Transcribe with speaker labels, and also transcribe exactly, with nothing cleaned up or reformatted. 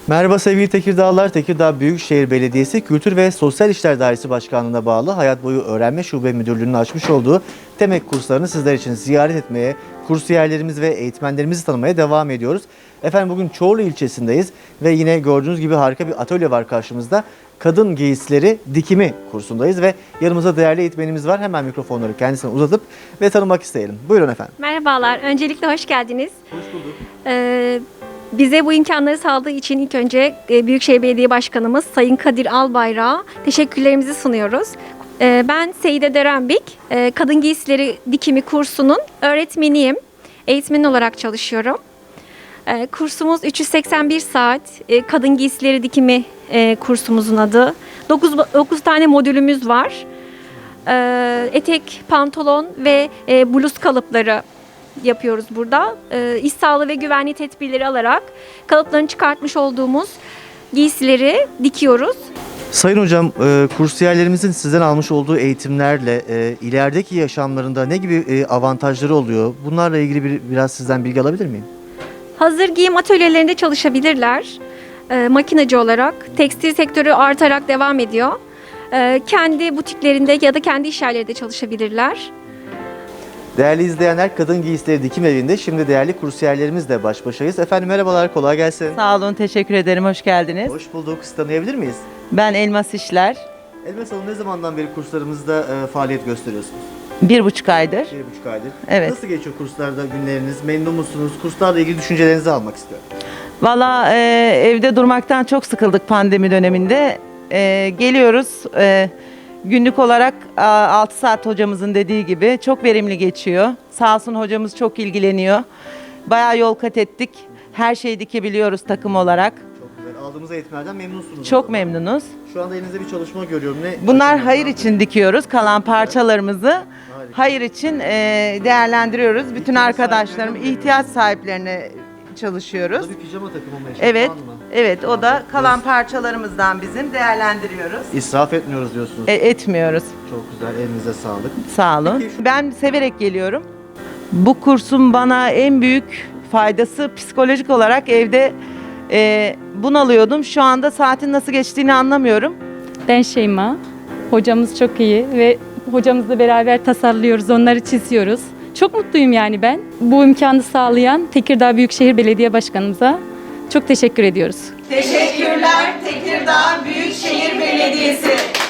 Speaker 1: Merhaba sevgili Tekirdağlılar. Tekirdağ Büyükşehir Belediyesi Kültür ve Sosyal İşler Dairesi Başkanlığı'na bağlı Hayat Boyu Öğrenme Şube Müdürlüğü'nün açmış olduğu TEMEK kurslarını sizler için ziyaret etmeye, kursiyerlerimiz ve eğitmenlerimizi tanımaya devam ediyoruz. Efendim bugün Çorlu ilçesindeyiz ve yine gördüğünüz gibi harika bir atölye var karşımızda. Kadın giysileri dikimi kursundayız ve yanımızda değerli eğitmenimiz var. Hemen mikrofonları kendisine uzatıp ve tanımak isteyelim. Buyurun efendim.
Speaker 2: Merhabalar. Öncelikle hoş geldiniz.
Speaker 1: Hoş bulduk.
Speaker 2: Ee, bize bu imkanları sağladığı için ilk önce Büyükşehir Belediye Başkanımız Sayın Kadir Albayrak'a teşekkürlerimizi sunuyoruz. Ee, ben Seyide Derenbik, e, Kadın Giysileri Dikimi kursunun öğretmeniyim. Eğitmen olarak çalışıyorum. Ee, kursumuz üç yüz seksen bir saat. E, Kadın Giysileri Dikimi e, kursumuzun adı. dokuz tane modülümüz var. Ee, etek, pantolon ve e, bluz kalıpları yapıyoruz burada. E, iş sağlığı ve güvenliği tedbirleri alarak kalıplarını çıkartmış olduğumuz giysileri dikiyoruz.
Speaker 1: Sayın hocam, e, kursiyerlerimizin sizden almış olduğu eğitimlerle e, ilerideki yaşamlarında ne gibi e, avantajları oluyor? Bunlarla ilgili bir, biraz sizden bilgi alabilir miyim?
Speaker 2: Hazır giyim atölyelerinde çalışabilirler. E, makinacı olarak. Tekstil sektörü artarak devam ediyor. E, kendi butiklerinde ya da kendi iş yerlerinde çalışabilirler.
Speaker 1: Değerli izleyenler, Kadın Giysileri Dikim Evi'nde şimdi değerli kursiyerlerimizle baş başayız. Efendim merhabalar, kolay gelsin.
Speaker 3: Sağ olun, teşekkür ederim. Hoş geldiniz.
Speaker 1: Hoş bulduk. Sizi tanıyabilir miyiz?
Speaker 3: Ben Elmas İşler.
Speaker 1: Elmas Hanım, ne zamandan beri kurslarımızda e, faaliyet gösteriyorsunuz?
Speaker 3: Bir buçuk aydır.
Speaker 1: Bir buçuk aydır.
Speaker 3: Evet.
Speaker 1: Nasıl geçiyor kurslarda günleriniz? Memnun musunuz? Kurslarla ilgili düşüncelerinizi almak istiyorum.
Speaker 3: Valla e, evde durmaktan çok sıkıldık pandemi döneminde. E, geliyoruz. E, günlük olarak altı saat hocamızın dediği gibi çok verimli geçiyor. Sağ olsun hocamız çok ilgileniyor. Bayağı yol kat ettik. Her şeyi dikebiliyoruz takım olarak.
Speaker 1: Çok güzel. Aldığımız eğitimlerden memnunsunuz.
Speaker 3: Çok memnunuz.
Speaker 1: Şu anda elinizde bir çalışma görüyorum. Ne?
Speaker 3: Bunlar hayır için dikiyoruz. Kalan parçalarımızı hayır için e, değerlendiriyoruz. Bütün arkadaşlarım, ihtiyaç sahiplerine çalışıyoruz.
Speaker 1: Burada bir pijama takımı mı?
Speaker 3: Evet,
Speaker 1: Falan mı?
Speaker 3: evet. O da kalan parçalarımızdan bizim değerlendiriyoruz.
Speaker 1: İsraf etmiyoruz diyorsunuz.
Speaker 3: E, etmiyoruz.
Speaker 1: Çok güzel. Elinize sağlık.
Speaker 3: Sağ olun.
Speaker 1: Peki şu-
Speaker 3: Ben severek geliyorum. Bu kursun bana en büyük faydası psikolojik olarak evde e, bunalıyordum. Şu anda saatin nasıl geçtiğini anlamıyorum.
Speaker 4: Ben Şeyma. Hocamız çok iyi ve hocamızla beraber tasarlıyoruz, onları çiziyoruz. Çok mutluyum yani ben. Bu imkanı sağlayan Tekirdağ Büyükşehir Belediye Başkanımıza çok teşekkür ediyoruz.
Speaker 5: Teşekkürler Tekirdağ Büyükşehir Belediyesi.